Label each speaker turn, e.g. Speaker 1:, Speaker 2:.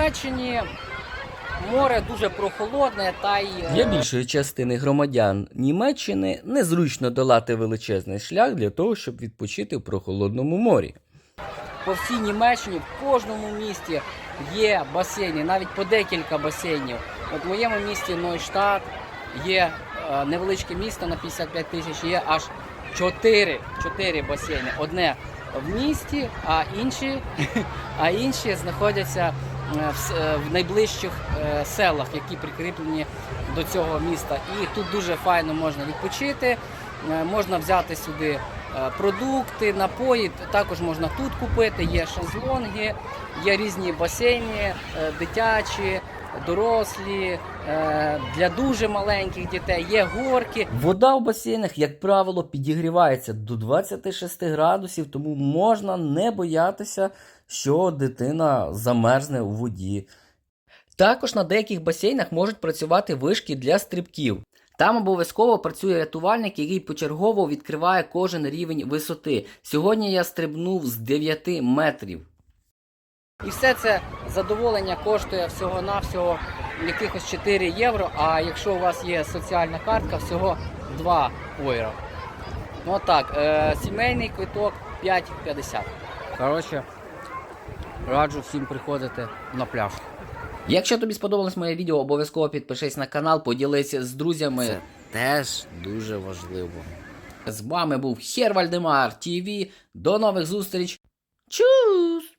Speaker 1: Німеччині море дуже прохолодне, та й
Speaker 2: Для більшої частини громадян Німеччини незручно долати величезний шлях для того, щоб відпочити в прохолодному морі.
Speaker 1: по всій Німеччині в кожному місті є басейни, навіть по декілька басейнів. От в моєму місті Нойштадт є невеличке місто на 55 тисяч, є аж 4 басейни. Одне в місті, а інші знаходяться в найближчих селах, які прикріплені до цього міста. І тут дуже файно можна відпочити, можна взяти сюди продукти, напої, також можна тут купити, є шезлонги, є різні басейни, дитячі, дорослі, для дуже маленьких дітей, є горки.
Speaker 2: Вода в басейнах, як правило, підігрівається до 26 градусів, тому можна не боятися, що дитина замерзне у воді. Також на деяких басейнах можуть працювати вишки для стрибків. Там обов'язково працює рятувальник, який почергово відкриває кожен рівень висоти. Сьогодні я стрибнув з 9 метрів.
Speaker 1: І все це задоволення коштує всього-навсього якихось 4 євро, а якщо у вас є соціальна картка, всього 2 євро. Ну отак, сімейний квиток 5,50. Коротше, раджу всім приходити на пляж.
Speaker 2: Якщо тобі сподобалось моє відео, обов'язково підпишись на канал, поділися з друзями.
Speaker 1: Це теж дуже важливо.
Speaker 2: З вами був Хер Вальдемар ТВ. До нових зустріч. Чус!